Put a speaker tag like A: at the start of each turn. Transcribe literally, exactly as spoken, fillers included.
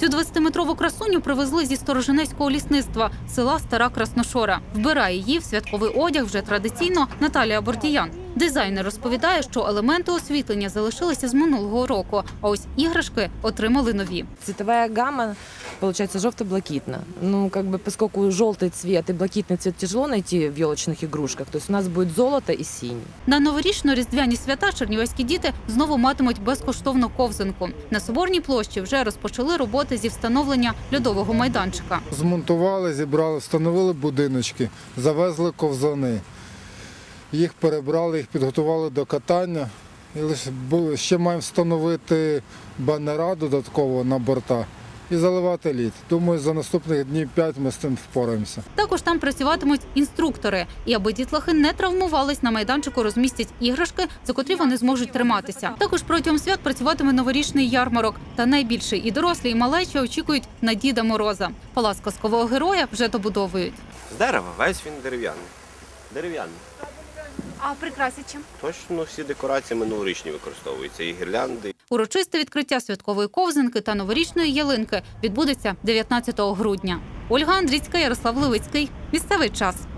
A: Цю двадцятиметрову красуню привезли зі Сторожинецького лісництва села Стара Красношора. Вбирає її в святковий одяг вже традиційно Наталія Бордіян. Дизайнер розповідає, що елементи освітлення залишилися з минулого року, а ось іграшки отримали нові.
B: Цветовая гамма получается желто-блакитно. Ну, как бы, поскольку желтый цвет и блакитный цвет тяжело найти в елочных игрушках, то есть у нас будет золото и синий.
A: На новорічно-різдвяні свята чернівецькі діти знову матимуть безкоштовну ковзанку. На Соборній площі вже розпочали роботи зі встановлення льодового майданчика.
C: Змонтували, зібрали, встановили будиночки, завезли ковзани. Їх перебрали, їх підготували до катання. І лише ще маємо встановити банера додатково на борта і заливати лід. Думаю, за наступних днів п'ять ми з цим впораємося.
A: Також там працюватимуть інструктори. І аби дітлахи не травмувались, на майданчику розмістять іграшки, за котрі вони зможуть триматися. Також протягом свят працюватиме новорічний ярмарок. Та найбільше і дорослі, і малечі очікують на Діда Мороза. Палац казкового героя вже добудовують.
D: З дерева, весь він дерев'яний. Дерев'яний.
E: А прикрасять чим?
D: Точно всі декорації минулорічні використовуються, і гірлянди.
A: Урочисте відкриття святкової ковзанки та новорічної ялинки відбудеться дев'ятнадцятого грудня. Ольга Андрійська, Ярослав Левицький. Місцевий час.